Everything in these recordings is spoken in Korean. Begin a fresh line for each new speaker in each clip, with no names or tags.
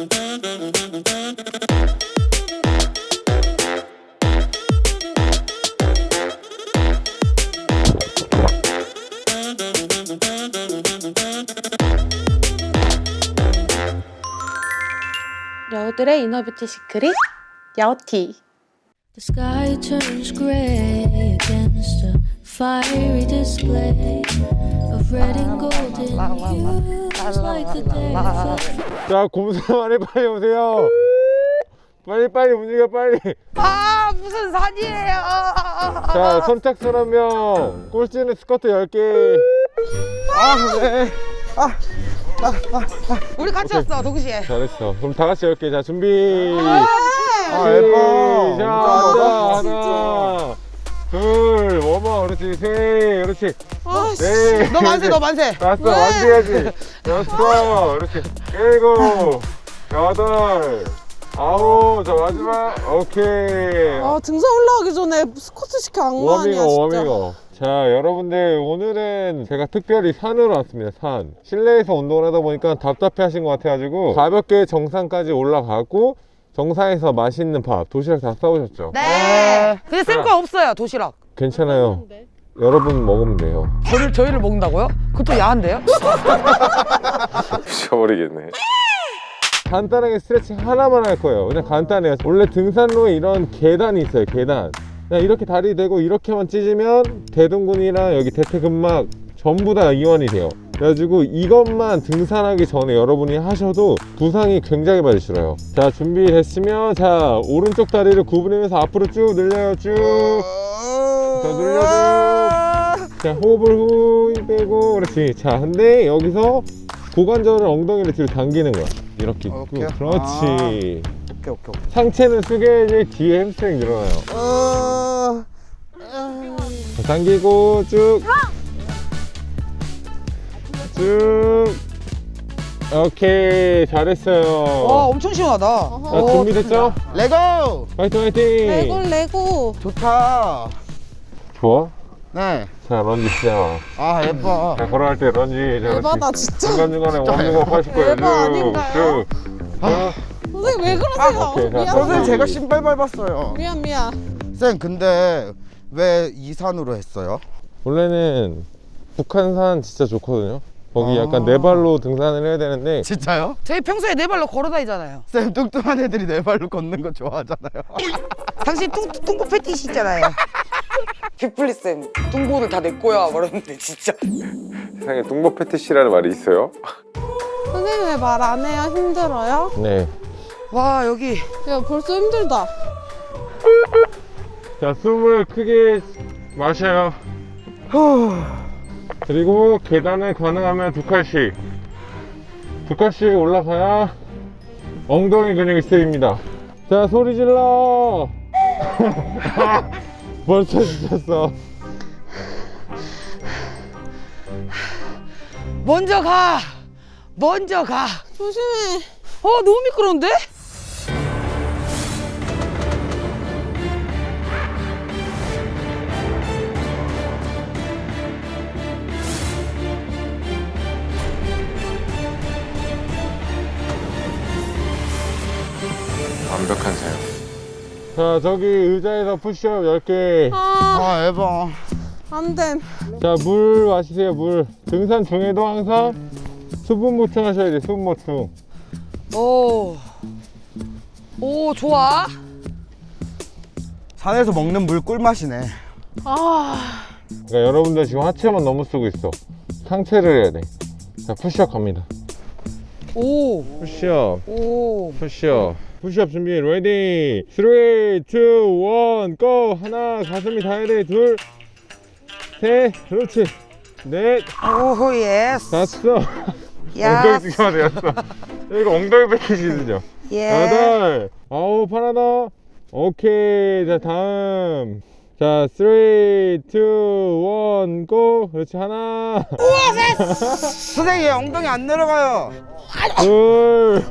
여우들의 이너뷰티 시크릿 야오티.
The sky turns gray against a fiery display of red and golden hues like the day of
자, 곰사만이 빨리 오세요. 빨리 움직여 빨리.
아 무슨 산이에요.
자, 선착순 1명. 꼴찌는 스커트 10개.
네.
우리 같이 왔어 동시에.
잘했어. 그럼 다 같이 10개. 자, 준비.
예뻐.
자, 앉아. 하나, 둘, 워머. 그렇지. 셋. 그렇지. 네.
너 만세 너 만세.
다섯. 완주해야지. 여섯. 그렇지. 일곱. 여덟. 아홉. 자, 마지막. 오케이.
아 등산 올라가기 전에 스쿼트 시켜 악마아니야 진짜.
워밍업. 자, 여러분들 오늘은 제가 특별히 산으로 왔습니다. 산. 실내에서 운동을 하다 보니까 답답해 하신 것 같아가지고 가볍게 정상까지 올라가고 정상에서 맛있는 밥, 도시락 다 싸우셨죠?
네. 근데 쌤 거 없어요 도시락.
괜찮아요. 여러분 먹으면 돼요.
저희를 먹는다고요? 그것도 야한데요?
미쳐버리겠네. 간단하게 스트레칭 하나만 할 거예요. 그냥 간단해요. 원래 등산로에 이런 계단이 있어요. 계단. 그냥 이렇게 다리 대고 이렇게만 찢으면 대둔근이랑 여기 대퇴근막 전부 다 이완이 돼요. 그래가지고 이것만 등산하기 전에 여러분이 하셔도 부상이 굉장히 많이 줄어요. 자, 준비됐으면 자 오른쪽 다리를 구부리면서 앞으로 쭉 늘려요. 쭉 더 늘려줘. 자, 호흡을 후 빼고. 그렇지. 자, 근데 여기서 고관절을 엉덩이를 뒤로 당기는 거야. 이렇게 있고.
오케이.
그렇지.
오케이.
상체는 숙여야지 뒤에 햄스트링 늘어나요. 자, 당기고 쭉. 오케이, 잘했어요.
와 엄청 시원하다.
자, 준비됐죠?
레고.
화이팅!
레고
좋다.
좋아?
네.
자, 런지 시작.
아 예뻐.
자, 걸어갈 때 런지.
에바다 진짜.
중간중간에 워밍업 하실 거예요.
에바 아닌가요? 선생님 왜 그러세요?
오케이, 자,
미안
선생님 제가 신발 밟았어요.
미안
쌤 근데 왜 이 산으로 했어요?
원래는 북한산 진짜 좋거든요. 거기 약간 네 발로 등산을 해야 되는데
진짜요?
저희 평소에 네 발로 걸어 다니잖아요.
쌤 뚱뚱한 애들이 네 발로 걷는 거 좋아하잖아요.
당신 뚱보 패티시 있잖아요. 빅플리 쌤 뚱보를 다 내 거야 말했는데 진짜.
세상에 뚱보 패티시라는 말이 있어요?
선생님 왜 말 안 해요? 힘들어요?
네.
와 여기
야 벌써 힘들다.
자, 숨을 크게 마셔요. 그리고 계단을 가능하면 두 칸씩 올라가야 엉덩이 근육이 쓰입니다. 자, 소리 질러. 벌써 지쳤어.
먼저 가.
조심해.
너무 미끄러운데?
완벽한 사용. 자, 저기 의자에서 푸시업 10개.
아 예뻐.
안됨.
자, 물 마시세요. 물. 등산 중에도 항상 수분 보충하셔야 돼요. 수분 보충.
오 좋아.
산에서 먹는 물 꿀맛이네.
그러니까 여러분들 지금 하체만 너무 쓰고 있어. 상체를 해야 돼. 자, 푸시업 갑니다.
오.
푸시업.
오.
푸시업. 푸시업 준비. 레디. 3, 2, 1, 고! 하나, 가슴이 닿아야 돼. 둘, 셋, 그렇지. 넷,
오 예스.
다섯.
야.
엉덩이 쓰기만 되었어. 이거 엉덩이 패키지죠.
예.
여덟, 아홉, 하나 더. 오케이. 자, 다음. 자, 3, 2, 1, 고! 그렇지. 하나.
선생님 엉덩이 안 내려가요.
둘.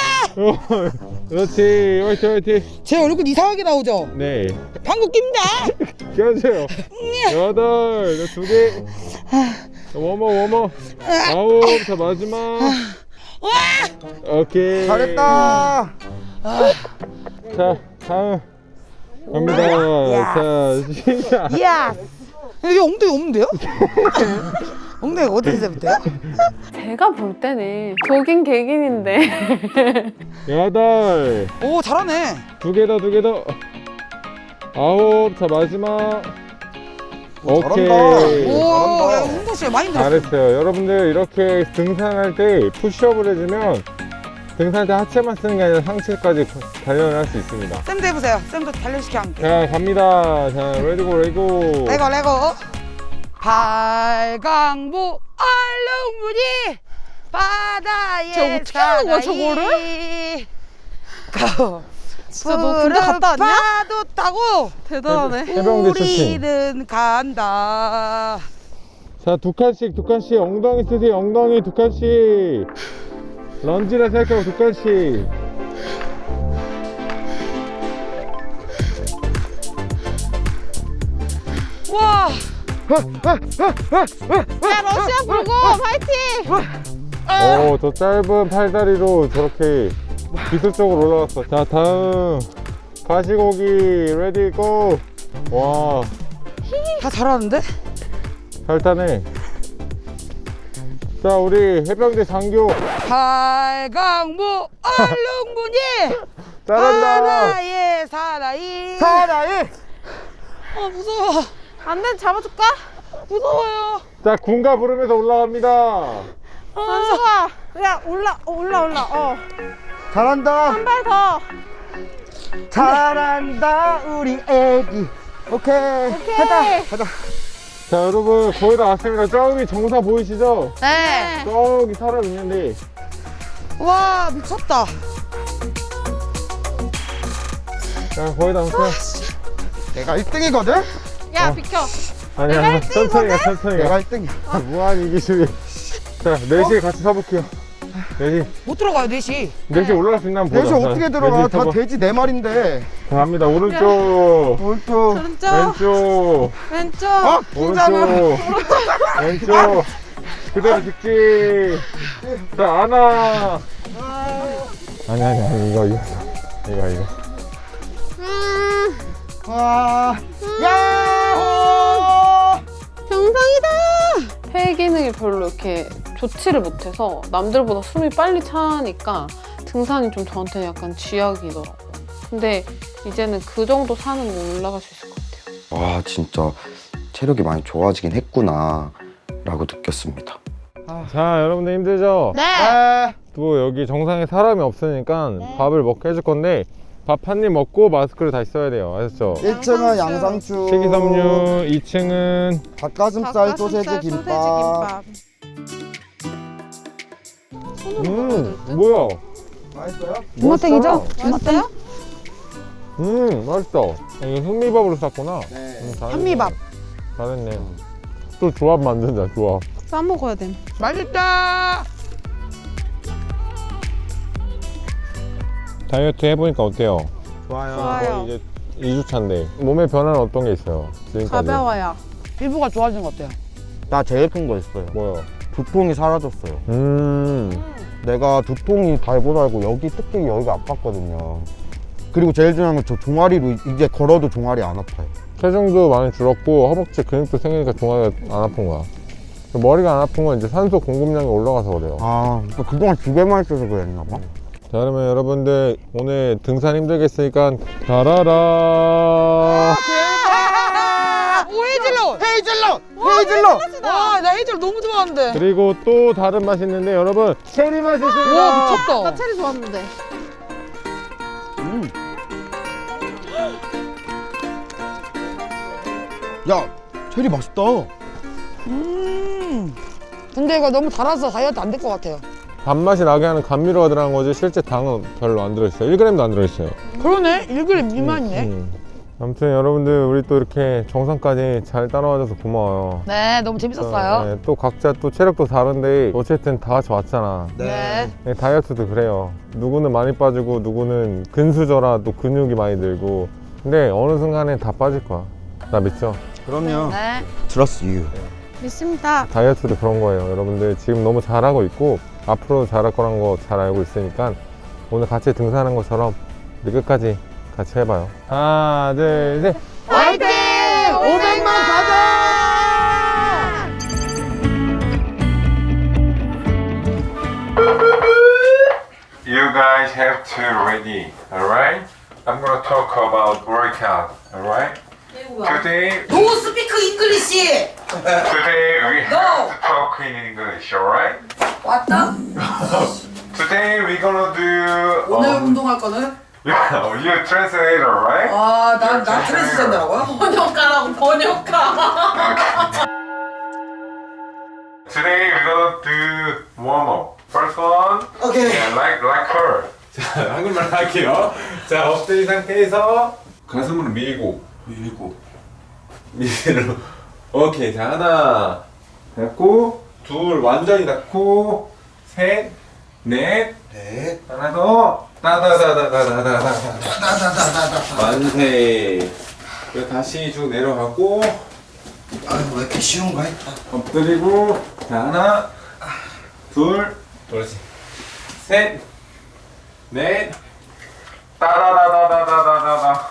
그렇지. 화이팅.
제 얼굴 이상하게 나오죠?
네.
방구 낍니다.
끼워주세요. 여덟. 두 개. 워머. 아홉. 자, 마지막. 오케이.
잘했다.
자, 다음 갑니다. 자, 시작.
이야. 여기 엉덩이 없는데요? 엉덩이가 어디서부터요?
제가 볼 때는 독인 객인인데.
8.
오 잘하네.
2개 더, 2개 더. 9. 자, 마지막. 오케이.
잘한다.
오, 야 홍보 씨 많이 들었어.
잘했어요. 여러분들 이렇게 등산할 때 푸시업을 해주면 등산할 때 하체만 쓰는 게 아니라 상체까지 단련을 할 수 있습니다.
쌤도 해보세요. 쌤도 단련시켜 함께.
자, 갑니다. 자, 레디고, 레고.
레고. 발광부 얼룩무늬 바다에
저 어떻게 하는 거야, 저거를?
진짜
너 군대 갔다 왔냐?
파도 타고
대단하네.
해병대 출신.
우리는 간다.
자, 2칸씩, 2칸씩. 엉덩이 쓰세요. 엉덩이 2칸씩. 런지라 생각하고 2칸씩.
와.
야 러시아 불고 파이팅.
오, 저 짧은 팔다리로 저렇게 기술적으로 올라갔어. 자, 다음 가시고기 레디 고. 와,
다 잘하는데?
잘 타네. 자, 우리 해병대 장교
발광부 얼룩무늬
잘한다.
바다에 사나이.
아 무서워. 안돼 잡아줄까? 무서워요.
자, 군가 부르면서 올라갑니다.
한수가 야 올라.
잘한다.
한 발 더.
잘한다 우리 애기. 오케이.
오케이.
자, 여러분 거의 다 왔습니다. 저기 정사 보이시죠?
네.
저기 사람 있는데.
와 미쳤다.
자, 거의 다 왔어요.
내가 1등이거든.
야 비켜.
아니야, 천천히 가, 천천히
내가
가.
1등이야.
무한 이기주의. 자, 4시에 같이 서볼게요. 4시.
못 들어가요 4시.
4시 올라갈 수 있나 한번 보자.
돼지
자,
어떻게 들어가?
4시
다
서봐.
돼지 네 마리인데.
자, 갑니다. 오른쪽,
오른쪽.
오른쪽.
왼쪽,
왼쪽.
오른쪽, 왼쪽. 그대로 직진. 자, 하나. 아니, 이거.
와. 야호.
정상이다. 폐 기능이 별로 이렇게 좋지를 못해서 남들보다 숨이 빨리 차니까 등산이 좀 저한테는 약간 쥐약이더라고요. 근데 이제는 그 정도 산은 올라갈 수 있을 것 같아요.
와 진짜 체력이 많이 좋아지긴 했구나 라고 느꼈습니다.
자, 여러분들 힘들죠?
네.
또 여기 정상에 사람이 없으니까 밥을 먹게 해줄 건데 밥 한 입 먹고 마스크를 다시 써야 돼요. 아셨죠?
1층은 양상추.
식이섬유, 2층은
닭가슴살 소세지 김밥.
뭐야?
맛있어요?
주먹땡이죠?
맛있어요?
맛있다. 이게 현미밥으로 쌌구나.
네.
잘했네.
현미밥.
잘했네. 또 조합 만든다, 조합.
싸 먹어야 돼.
맛있다.
다이어트 해보니까 어때요?
좋아요.
좋아요.
이제 2주차인데 몸의 변화는 어떤 게 있어요? 지금까지.
가벼워요.
피부가 좋아지는 것 같아요.
나 제일 큰 거 있어요.
뭐요?
두통이 사라졌어요.
음.
내가 두통이 달고 여기 특히 여기가 아팠거든요. 그리고 제일 중요한 건 저 종아리로 이제 걸어도 종아리 안 아파요.
체중도 많이 줄었고 허벅지 근육도 생기니까 종아리가 안 아픈 거야. 머리가 안 아픈 건 이제 산소 공급량이 올라가서 그래요.
아, 그동안 집에만 있어서 그랬나 봐.
자, 그러면 여러분들 오늘 등산 힘들겠으니까 가라라.
오 헤이즐넛.
헤이즐넛!
와, 나 헤이즐넛 너무 좋아하는데.
그리고 또 다른 맛이 있는데 여러분 체리 맛이 있습니다.
와 미쳤다.
나 체리 좋았는데.
야, 체리 맛있다.
근데 이거 너무 달아서 다이어트 안 될 것 같아요.
단맛이 나게 하는 감미료가 들어간 거지 실제 당은 별로 안 들어있어요. 1g도 안 들어있어요.
그러네. 1g 미만이네.
아무튼 여러분들 우리 또 이렇게 정상까지 잘 따라와줘서 고마워요.
네, 너무 재밌었어요.
네, 또 각자 또 체력도 다른데 어쨌든 다 같이 왔잖아.
네.
네, 다이어트도 그래요. 누구는 많이 빠지고 누구는 근수저라 또 근육이 많이 들고 근데 어느 순간에 다 빠질 거야. 나 믿죠?
그럼요.
네.
Trust you.
믿습니다.
다이어트도 그런 거예요. 여러분들 지금 너무 잘하고 있고 앞으로 잘할 거란 거 잘 알고 있으니까 오늘 같이 등산한 것처럼 우리 끝까지 같이 해봐요. 하나, 둘, 셋.
화이팅! 500만 가자!
You guys have to ready, alright? I'm gonna talk about workout, alright? Today,
노 스피크 잉글리시.
today we have
No.
to talk in English, alright?
왔다.
Today we're gonna do.
오늘 운동할 거는
You translator, right?
난 트랜스젠더라고요?
번역가라고 번역가.
Today we're gonna do warm up. First one,
오케이.
yeah, like her. 자, 한국말 할게요. 자, 엎드린 상태에서 가슴으로 밀고. 밀고. 오케이, 자 하나 닫고, 둘 완전히 닫고, 셋, 넷, 하나 더, 따다다다다다다다. 만세. 그리고 다시 쭉 내려가고.
아유, 왜 이렇게 쉬운 거 했다.
엎드리고, 자 하나, 둘, 그렇지, 셋, 넷, 따다다다다다다다.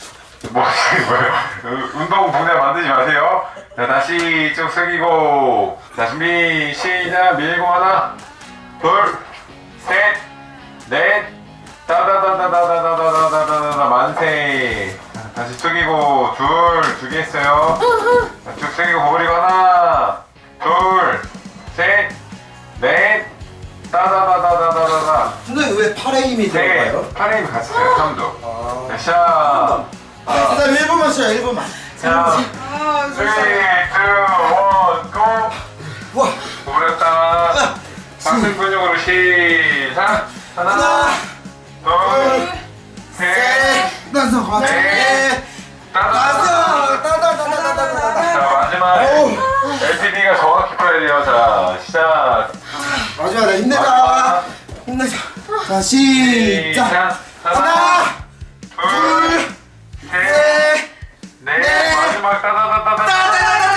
뭐예요? 운동 분해 만들지 마세요. 자 다시 쭉 숙이고, 자 준비 시작. 밀고 하나, 둘, 셋, 넷, 따다다다다다다다다다다. 만세. 다시 숙이고, 두 개 했어요. 자, 쭉 숙이고 버리고 하나, 둘, 셋, 넷, 따다다다다다다다.
선생님 왜 팔에 힘이
네, 팔에 힘 같이 써요. 3도. 자, 샷.
선생님 1분만 쉬어요, 1분만.
자, 3, 2, 1, 고!
와.
구부렸다. 상승 근육으로 시작. 하나, 둘, 셋,
나서 가자.
넷,
나서.
자, 마지막. LPD가 정확히 풀어야 돼요. 자, 시작.
마지막에 힘내자. 힘내자. 자, 시작. 하나,
둘, 셋, 넷, 마지막 따다다다다.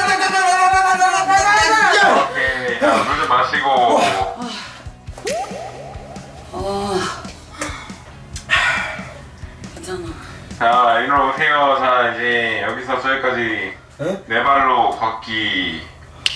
오케이, 자, 물 좀 마시고.
괜찮아.
자, 이리로 오세요. 자, 이제 여기서 저기까지 네 발로 걷기.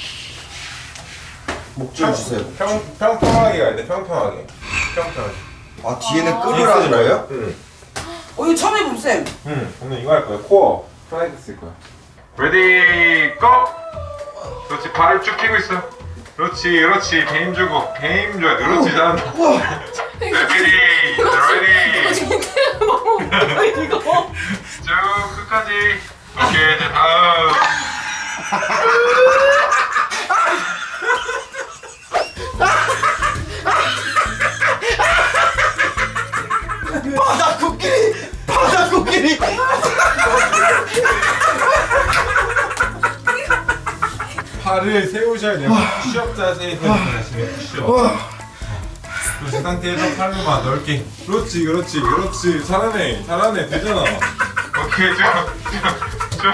목 좀 주세요.
평평하게 가야 돼. 평평하게. 평평하게.
아, 뒤에는 끄으라는 거예요?
응.
이거 처음 해봄 쌤.
응. 오늘 이거 할 거야. 코어. 플라이드 쓸 거야. 레디 고! 그렇지. 발을 쭉 펴고 있어. 그렇지. 그렇지. 게임 주고. 게임 줘야 돼. 그렇지. 잘한다. 레디.
이거.
쭉 끝까지. 오케이. 이제 다음.
바다 코끼리.
팔을 세우셔야 돼요. 푸시업 자세에서 하시면 푸시업. 그 상태에서 팔로만 넓게. 그렇지, 그렇지, 그렇지. 잘하네, 잘하네. 되잖아. 오케이, 쭉.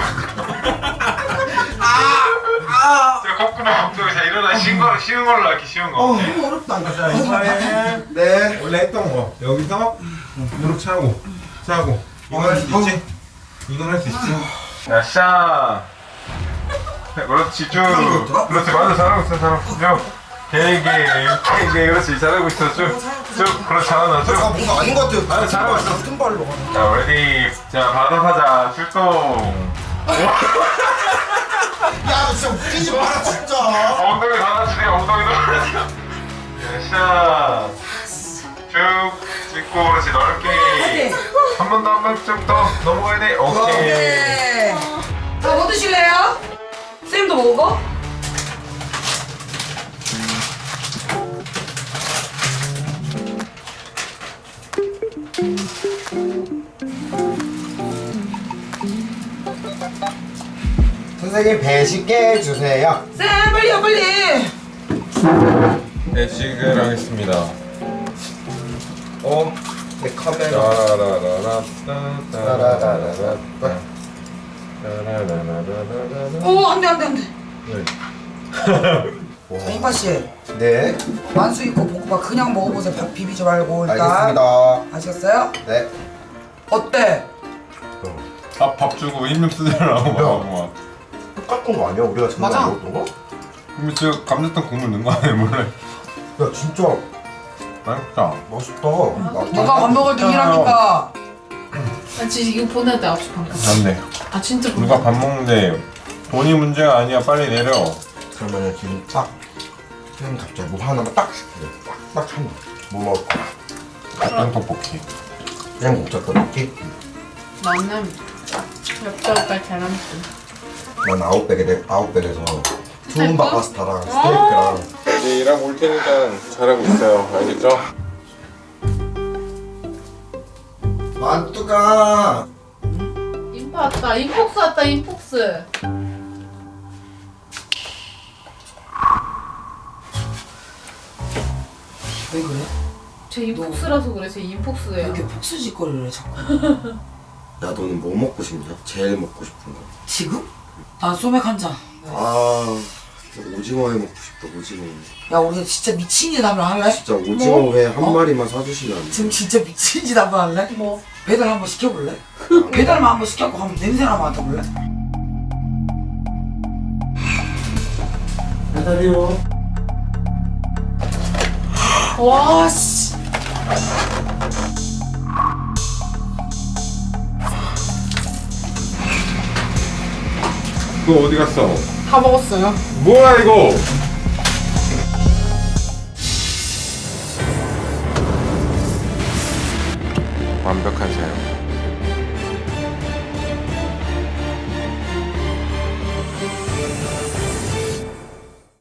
자, 콧구멍 엉덩이. 자, 일어나. 쉬운 걸로 할게, 쉬운 거.
너무 어렵다.
자, 이번에
네.
원래 했던 거. 여기서 무릎 차고. 이건 할 수 있지? 이건 할 수 있지? 자, 샤. 그렇지, 쭉. 그렇지, 맞아. 잘하고 있어. 쭉. 되게 그렇지. 잘하고 있어. 쭉. 그렇지, 잘한다. 쭉.
뭔가 아닌 것 같아요.
아, 잘하고 있어.
같은 발로.
자, 레디. 자, 바다사자 출동.
야, 진짜 웃기지 마라, 진짜.
엉덩이 받아주세요. 엉덩이도. 자, 쭉 찍고. 그렇지, 넓게. 한 번 좀 더 넘어가야 돼. 오케이.
네. 자, 뭐 드실래요? 쌤도 먹어?
선생님 배식게 해주세요.
쌤, 빨리요, 빨리.
네, 지금 하겠습니다.
내 카메라.
따라라라라,
따라라라라.
따라라라라라라.
오, 안 돼.
네.
자, 인파 씨.
네,
만수 있고 볶음밥 그냥 먹어보세요. 밥 비비지 말고 일단.
알겠습니다.
아시겠어요?
네.
어때?
밥 주고 힘 좀 쓰자라고 막.
똑같은 거 아니야? 우리가 지금
맞아.
먹었던 거?
근데 제가 감자탕 국물 넣은 거 아니에요 몰래?
야, 진짜
맛있다.
맛있다.
누가 밥 먹을 때 일하니까.
아, 진짜 이거 보낼 때 9시 반까지.
맞네.
아, 진짜
누가 밥 먹는데 돈이 문제가 아니야. 빨리 내려.
그러면은 지금 딱 선생님 갑자기 뭐 하나만 딱 시키래. 딱 하나. 뭐 먹을 거야?
닭장 떡볶이.
그냥 먹자 떡볶이.
나는 엽떡과 계란찜.
난 아웃백에서 투움바 파스타랑 스테이크랑.
이제 일하고 올 테니까 잘하고 있어요. 알겠죠?
만두가
인파 왔다. 인폭스 왔다. 인폭스.
왜 그래?
제 인폭스라서 그래. 제 인폭스예요.
이렇게 폭수짓거리를 해 자꾸.
야 너는 뭐 먹고 싶냐? 제일 먹고 싶은 거.
지금? 난 소맥 한 잔.
아 진짜 오징어회 먹고 싶다. 오징어.
야 우리 진짜 미친 짓 한번 할래?
진짜 오징어회 한 마리만 사주시면 안 돼?
지금 진짜 미친 짓 한번 할래?
뭐?
배달 한번 시켜볼래? 배달만 한번 시켜고 한번 냄새나 맡아볼래?
배달이요.
와 씨.
너 어디 갔어?
다 먹었어요.
뭐야 이거? 완벽한 사용.